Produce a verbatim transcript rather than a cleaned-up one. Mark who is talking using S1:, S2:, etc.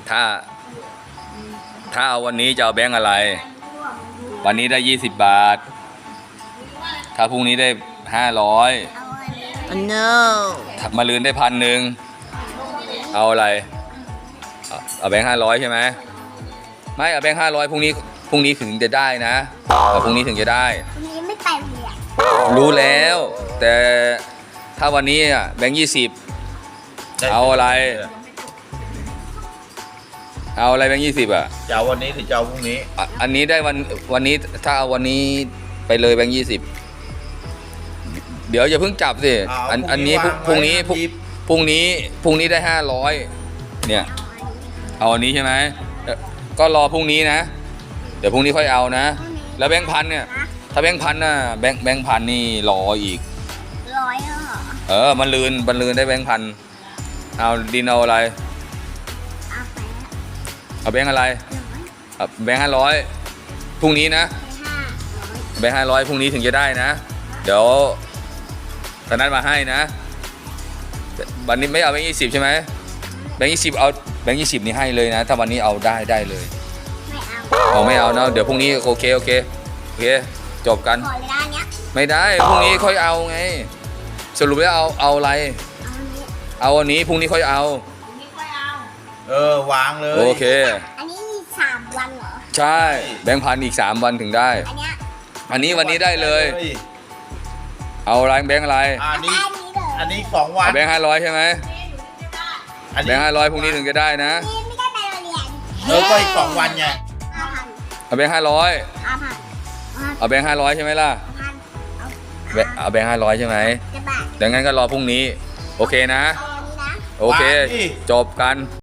S1: ถ้าถ้าเอาวันนี้จะเอาแบงค์อะไรวันนี้ได้ยี่สิบบาทถ้าพรุ่งนี้ได้ห้าร้อย
S2: oh no
S1: มาลืนได้พันหนึ่งเอาอะไรเอาเอาแบงค์ห้าร้อยใช่ไหมไม่เอาแบงค์ห้าร้อยพรุ่งนี้พรุ่งนี้ถึงจะได้นะเอาพรุ่งนี้ถึงจะได้
S3: วันนี้ไม่ไปเรียน
S1: รู้แล้วแต่ถ้าวันนี้อ่ะแบงค์ยี่สิบเอาอะไรเอาอะไรแบงค์ยี่สิบอ่ะ
S4: จะเอาวันนี้หรือจะเอาพรุ่งนี้
S1: อ่ะอันนี้ได้วันวันนี้ถ้าเอาวันนี้ไปเลยแบงค์ยี่สิบเดี๋ยวอย่าเพิ่งจับสิอันอันนี้พรุ่งนี้พรุ่งพรุ่งนี้พรุ่งนี้ได้ห้าร้อยเนี่ยเอาอันนี้ใช่ไหมเอ่อก็รอพรุ่งนี้นะเดี๋ยวพรุ่งนี้ค่อยเอานะแล้วแบงค์พันเนี่ยถ้าแบงค์พันน่ะแบงค์แบงค์พันนี่รออีก
S3: ร้อยเหรอ
S1: เออมันลืนมันลืนได้แบงค์พันเอาดินเอาอะไร
S3: เอาไป
S1: เอาแบงค์อะไร
S3: ร้อย
S1: เอาแบงค์ห้าร้อยพรุ่งนี้นะ
S3: ห้าร้อย
S1: แบงค์ห้าร้อยพรุ่งนี้ถึงจะได้นะเดี๋ยวตอนนั้นมาให้นะวันนี้ไม่เอาแบงค์ยี่สิบใช่ไหมแบงค์ยี่สิบเอาแบงค์ยี่สิบนี่ให้เลยนะถ้าวันนี้เอาได้ได้เลย
S3: ไม่เอา
S1: เอาไม่เอาเนาะเดี๋ยวพรุ่งนี้โอเคโอเคโอเคจบกัน
S3: ขอเลยด้านเนี้ย
S1: ไม่ได้พรุ่งนี้ค่อยเอาไงสรุปแล้วเอาเอาอะไร
S3: เอาอันนี้
S1: เอาวันนี้พรุ่งนี้ค่อยเอา
S4: เออวางเลย
S1: โอเค
S3: อันนี้มีสามวันเหรอ
S1: ใช่แบงค์พันอีกสามวันถึงได้
S3: อันเนี้ย
S1: อันนี้วันนี้ได้เลย เอาอะไรแบงค์อะไร
S4: อันนี้
S3: อันนี้เลย
S4: อันนี้สองวัน
S1: เอาแบงค์ห้าร้อยใช่ไหม
S4: อัน
S1: แบ
S4: นี้
S1: งค์ห้าร้อยพรุ่งนี้ถึงจะได้นะ
S3: นี่ไม่ได้ไปโรงเรียน
S4: เออก็อีกสองวันไง
S3: ห้าพัน
S1: เอาแบงค์ห้าร้อย
S3: ห้าพันห้า
S1: เอาแบงค์ห้าร้อยใช่ไหมล่ะ
S3: พันเอา
S1: แบงค์เอาแบงค์ห้าร้อยใช่ไหม
S3: จะบาท
S1: ดังนั้นก็รอพรุ่งนี้โอเคนะ
S3: เอาอันนี้นะ
S1: โอเค จบกัน